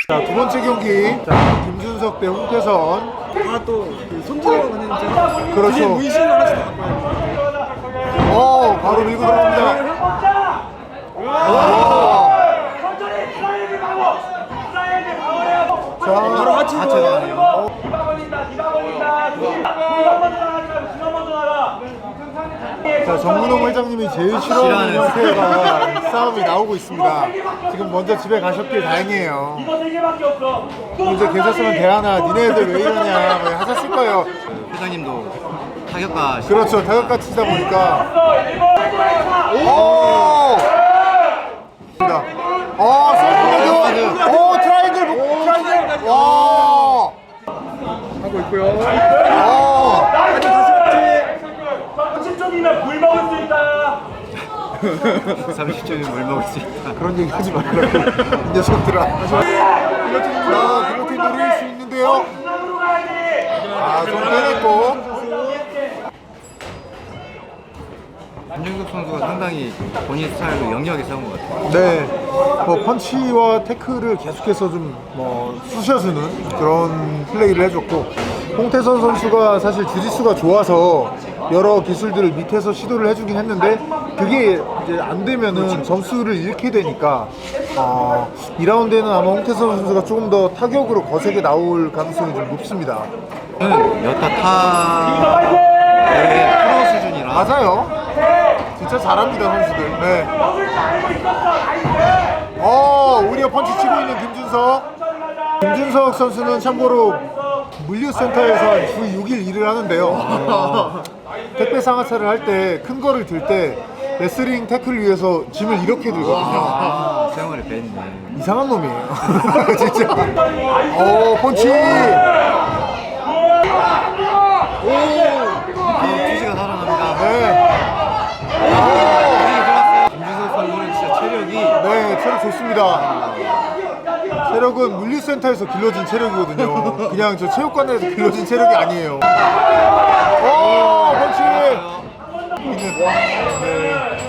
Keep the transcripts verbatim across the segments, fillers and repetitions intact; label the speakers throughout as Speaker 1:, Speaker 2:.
Speaker 1: 자, 두 번째 경기. 자, 김준석 대 홍태선.
Speaker 2: 아또그 손질하고 가는 거.
Speaker 1: 그렇죠.
Speaker 2: 문신을 하나씩 더 갖고 와요.
Speaker 1: 어, 바로 밀고 들어갑니다. 자,
Speaker 2: 바로 하체
Speaker 1: 들어가네요. 자, 정문홍 회장님이 제일 싫어하는 형태가 싸움이 나오고 있습니다. 지금 먼저 집에 가셨길 다행이에요. 이제 계셨으면 대하나 니네들 왜 이러냐 뭐 하셨을 거예요.
Speaker 3: 회장님도 타격가
Speaker 1: 그렇죠. 타격가 치다 보니까. 오! 어, 셀프레드. 오, 트라이앵글. 트라이앵글. 와!
Speaker 2: 하고 있고요.
Speaker 1: 어.
Speaker 4: 삼십 점이면 물 먹을 수 있다.
Speaker 3: 삼십 점이면 물 먹을 수 있다.
Speaker 1: 그런 얘기 하지 말라고. 이 녀석들아. 자, 글루틴 노릴 수 있는데요. 아, 좀 빼냈고.
Speaker 3: 김준석 선수가 상당히 본인 스타일로 영리하게 싸운 것 같아요.
Speaker 1: 네, 뭐 펀치와 태클을 계속해서 좀 뭐 쑤셔주는 그런 플레이를 해줬고, 홍태선 선수가 사실 주짓수가 좋아서 여러 기술들을 밑에서 시도를 해주긴 했는데 그게 이제 안 되면은 점수를 잃게 되니까 어, 이 라운드에는 아마 홍태선 선수가 조금 더 타격으로 거세게 나올 가능성이 좀 높습니다.
Speaker 3: 저는 여타 타 대회 프로 수준이라
Speaker 1: 맞아요. 진짜 잘합니다 선수들. 네. 어, 오히려 펀치 치고 있는 김준석. 김준석 선수는 참고로 물류센터에서 주 육 일 일을 하는데요. 택배 상하차를 할 때 큰 거를 들 때 레슬링 태클을 위해서 짐을 이렇게 들거든요.
Speaker 3: 아, 생활을 뺐네.
Speaker 1: 이상한 놈이에요. 진짜. 어, 펀치.
Speaker 3: 투지가 살아납니다.
Speaker 1: 네.
Speaker 3: 김준석 선수는 진짜 체력이
Speaker 1: 네, 체력 좋습니다. 체력은 물류센터에서 길러진 체력이거든요. 그냥 저 체육관에서 길러진 체력이 아니에요. 오, 펀치! 네.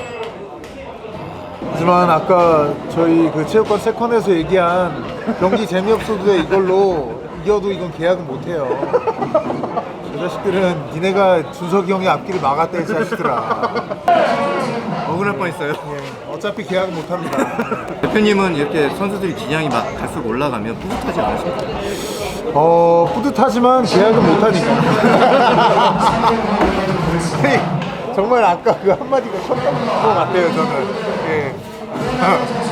Speaker 1: 하지만 아까 저희 그 체육관 세컨에서 얘기한 경기 재미없어도 돼 이걸로 이겨도 이건 계약은 못해요. 저 자식들은 니네가 준석이 형의 앞길을 막았다 이 자식들아.
Speaker 3: 억울할 뻔했어요.
Speaker 1: 예, 어차피 계약은 못합니다.
Speaker 3: 대표님은 이렇게 선수들이 기량이 막 갈수록 올라가면 뿌듯하지 않으십니까?
Speaker 1: 어, 뿌듯하지만 계약은 못하니까. 정말 아까 그 한마디가 컸던 것 같아요, 저는. 예.